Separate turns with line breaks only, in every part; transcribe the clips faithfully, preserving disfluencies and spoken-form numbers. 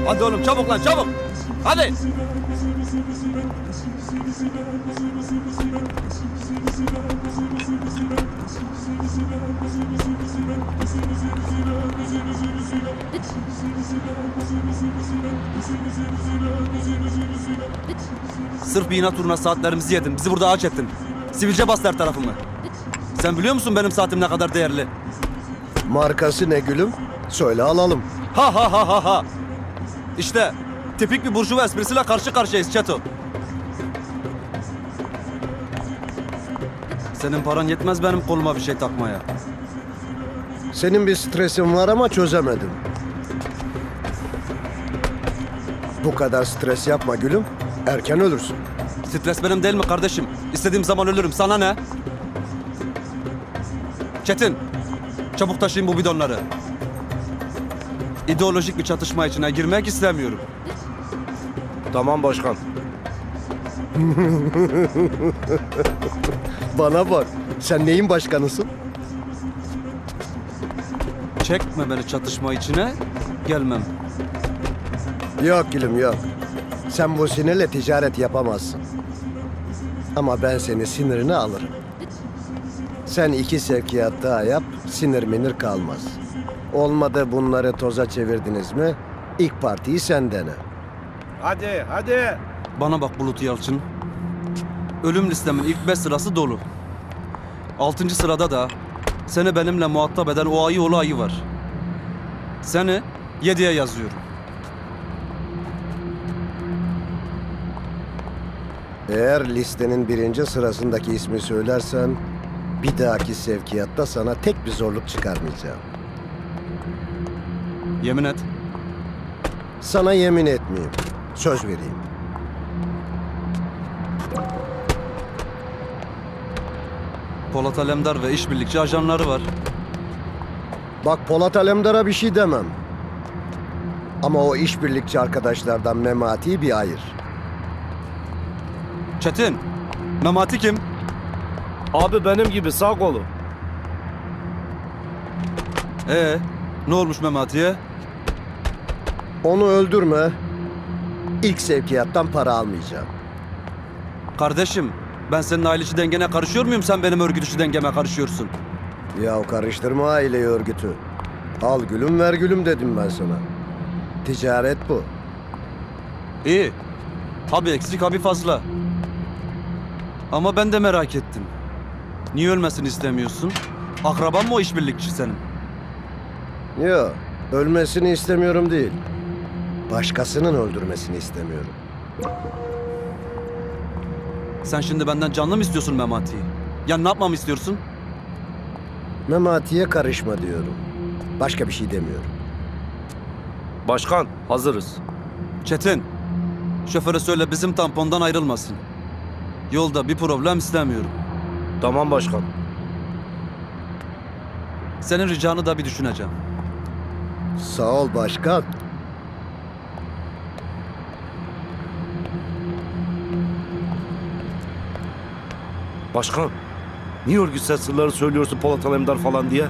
Hadi oğlum çabuk lan çabuk. Hadi. Sırf bir inat uğruna saatlerimizi yedin. Bizi burada ağaç ettin. Sivilce bastı her tarafımı. Sen biliyor musun benim saatim ne kadar değerli?
Markası ne gülüm? Söyle alalım.
Ha ha ha ha ha. İşte tipik bir burjuva esprisiyle karşı karşıyayız Çeto. Senin paran yetmez benim koluma bir şey takmaya.
Senin bir stresin var ama çözemedim. Bu kadar stres yapma gülüm. Erken ölürsün.
Stres benim değil mi kardeşim? İstediğim zaman ölürüm. Sana ne? Çetin, çabuk taşıyın bu bidonları. İdeolojik bir çatışma içine girmek istemiyorum.
Tamam başkan.
Bana bak. Sen neyin başkanısın?
Çekme beni çatışma içine, gelmem.
Yok gülüm yok. Sen bu sinirle ticaret yapamazsın. Ama ben seni sinirini alırım. Sen iki sevkiyat daha yap, sinir minir kalmaz. Olmadı bunları toza çevirdiniz mi, ilk partiyi sen dene.
Hadi hadi.
Bana bak Bulut Yalçın. Ölüm listemin ilk beş sırası dolu. Altıncı sırada da seni benimle muhatap eden o ayı oğlu ayı var. Seni yediye yazıyorum.
Eğer listenin birinci sırasındaki ismi söylersen, bir dahaki sevkiyatta sana tek bir zorluk çıkarmayacağım.
Yemin et.
Sana yemin etmeyeyim, söz vereyim.
Polat Alemdar ve işbirlikçi ajanları var.
Bak Polat Alemdar'a bir şey demem. Ama o işbirlikçi arkadaşlardan Memati'yi bir ayır.
Çetin, Memati kim?
Abi benim gibi sağ kolu.
Ee, ne olmuş Memati'ye?
Onu öldürme. İlk sevkiyattan para almayacağım.
Kardeşim, ben senin aile içi dengene karışıyor muyum? Sen benim örgüt içi dengeme karışıyorsun.
Ya karıştırma aileyi örgütü. Al gülüm ver gülüm dedim ben sana. Ticaret bu.
İyi. Tabii eksik, tabii fazla. Ama ben de merak ettim. Niye ölmesini istemiyorsun? Akraban mı o işbirlikçi senin?
Yok, ölmesini istemiyorum değil. Başkasının öldürmesini istemiyorum.
Sen şimdi benden canlı mı istiyorsun Memati'yi? Ya ne yapmamı istiyorsun?
Memati'ye karışma diyorum. Başka bir şey demiyorum.
Başkan hazırız.
Çetin, şoföre söyle bizim tampondan ayrılmasın. Yolda bir problem istemiyorum.
Tamam başkan.
Senin ricanı da bir düşüneceğim.
Sağ ol başkan.
Başkan. Niye örgütsel sırları söylüyorsun Polat Alemdar falan diye?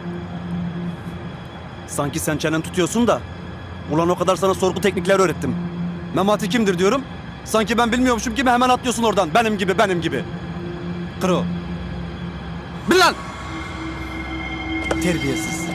Sanki sen çenen tutuyorsun da. Ulan o kadar sana sorgu teknikleri öğrettim. Memati kimdir diyorum. Sanki ben bilmiyormuşum gibi hemen atlıyorsun oradan. Benim gibi, benim gibi. Kro. Bil lan! Terbiyesiz.